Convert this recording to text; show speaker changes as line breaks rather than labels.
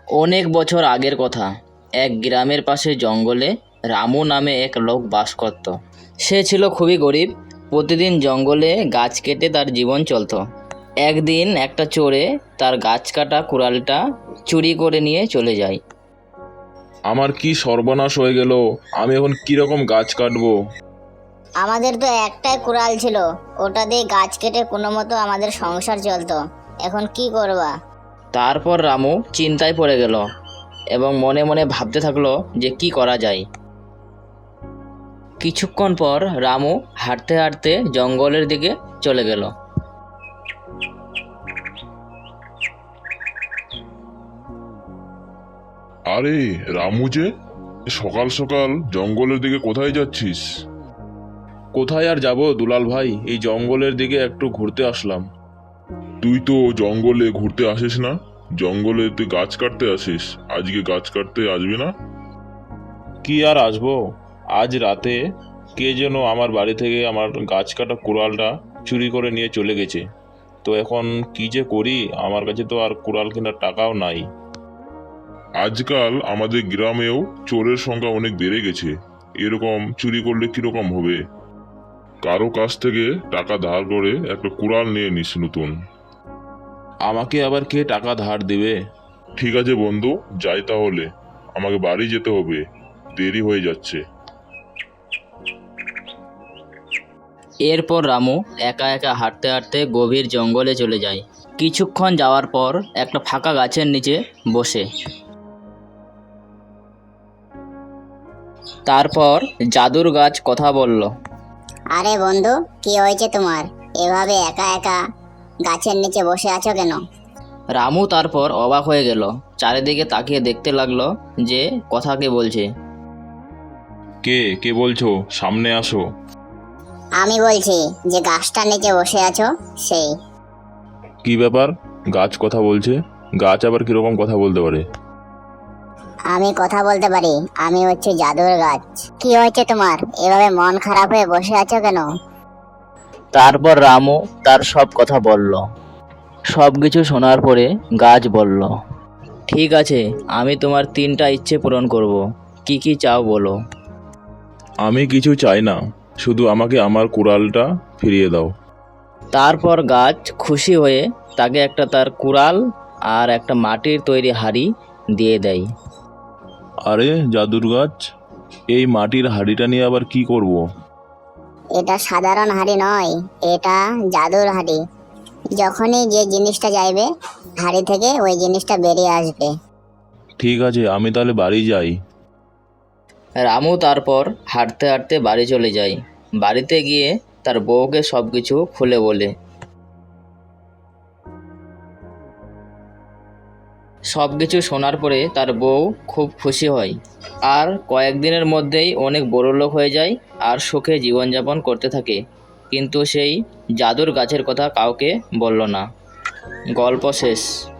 অনেক বছর আগের কথা। এক গ্রামের পাশে জঙ্গলে রামু নামে এক লোক বাস করত। সে ছিল খুবই গরিব। প্রতিদিন জঙ্গলে গাছ কেটে তার জীবন চলত। একদিন একটা চোরে তার গাছ কাটা কুড়ালটা চুরি করে নিয়ে চলে যায়।
আমার কি সর্বনাশ হয়ে গেল! আমি এখন কিরকম গাছ কাটবো?
আমাদের তো একটাই কুড়াল ছিল, ওটা দিয়ে গাছ কেটে কোনো মতো আমাদের সংসার চলতো। এখন কি করবা?
তারপর রামু চিন্তায় পড়ে গেল এবং মনে মনে ভাবতে থাকলো যে কি করা যায়। কিছুক্ষণ পর রামু হাঁটতে হাঁটতে জঙ্গলের দিকে চলে গেল।
আরে রামু যে, সকাল সকাল জঙ্গলের দিকে কোথায় যাচ্ছিস?
কোথায় আর যাব দুলাল ভাই, এই জঙ্গলের দিকে একটু ঘুরতে আসলাম।
তুই তো জঙ্গলে ঘুরতে আসিস না, জঙ্গলে তুই গাছ কাটতে আসিস। আজকে গাছ কাটতে আসবি না?
কি আর আসবো, আজ রাতে কে যেন আমার বাড়ি থেকে আমার গাছ কাটা কুড়ালটা চুরি করে নিয়ে চলে গেছে। তো এখন কি যে করি, আমার কাছে তো আর কুড়াল কেনার টাকাও নাই।
আজকাল আমাদের গ্রামেও চোরের সংখ্যা অনেক বেড়ে গেছে। এরকম চুরি করলে কিরকম হবে? কারো কাছ থেকে টাকা ধার করে একটা কুড়াল নিয়ে নিস নতুন।
আমাকে আবার কে টাকা ধার দেবে?
ঠিক আছে বন্ধু, যাই তাহলে, আমাকে বাড়ি যেতে হবে, দেরি হয়ে যাচ্ছে।
এরপর রামু একা একা হাঁটতে হাঁটতে গভীর জঙ্গলে চলে যায়। কিছুক্ষণ যাওয়ার পর একটা ফাঁকা গাছের নিচে বসে। তারপর জাদুর গাছ কথা বলল।
আরে বন্ধু, কি হয়েছে তোমার? এভাবে একা একা গাছের নিচে বসে আছো কেন?
রামু তারপর অবাক হয়ে গেল, চারিদিকে তাকিয়ে দেখতে লাগলো যে কথা কে বলছে।
কে কে বলছো? সামনে আসো।
আমি বলছি, যে গাছটার নিচে বসে আছো সেই।
কি ব্যাপার, গাছ কথা বলছে? গাছ আবার কিরকম কথা বলতে পারে?
আমি কথা বলতে পারি, আমি হচ্ছে জাদুর গাছ। কি হয়েছে তোমার? এভাবে মন খারাপ হয়ে বসে আছো কেন?
তারপর রামু তার সব কথা বলল। সব কিছু শোনার পরে গাছ বলল, ঠিক আছে, আমি তোমার 3টা ইচ্ছে পূরণ করব। কি কি চাও বলো।
আমি কিছু চাই না, শুধু আমাকে আমার কুড়ালটা ফিরিয়ে দাও।
তারপর গাছ খুশি হয়ে তাকে একটা তার কুড়াল আর একটা মাটির তৈরি হাঁড়ি দিয়ে দেয়।
আরে জাদুর গাছ, এই মাটির হাঁড়িটা নিয়ে আবার কি করব?
এটা সাধারণ হাঁড়ি নয়, এটা জাদুর হাঁড়ি। যখনই যে জিনিসটা চাইবে, হাঁড়ি থেকে ওই জিনিসটা বেরিয়ে আসবে।
ঠিক আছে, আমি তাহলে বাড়ি যাই।
রামু তারপর হাঁটতে হাঁটতে বাড়ি চলে যায়। বাড়িতে গিয়ে তার বউকে সব কিছু খুলে বলে। সব কিছু শোনার পরে তার বউ খুব খুশি হয় আর কয়েকদিনের মধ্যেই অনেক বড়লোক হয়ে যায় আর সুখে জীবনযাপন করতে থাকে। কিন্তু সেই জাদুর গাছের কথা কাউকে বলল না। গল্প শেষ।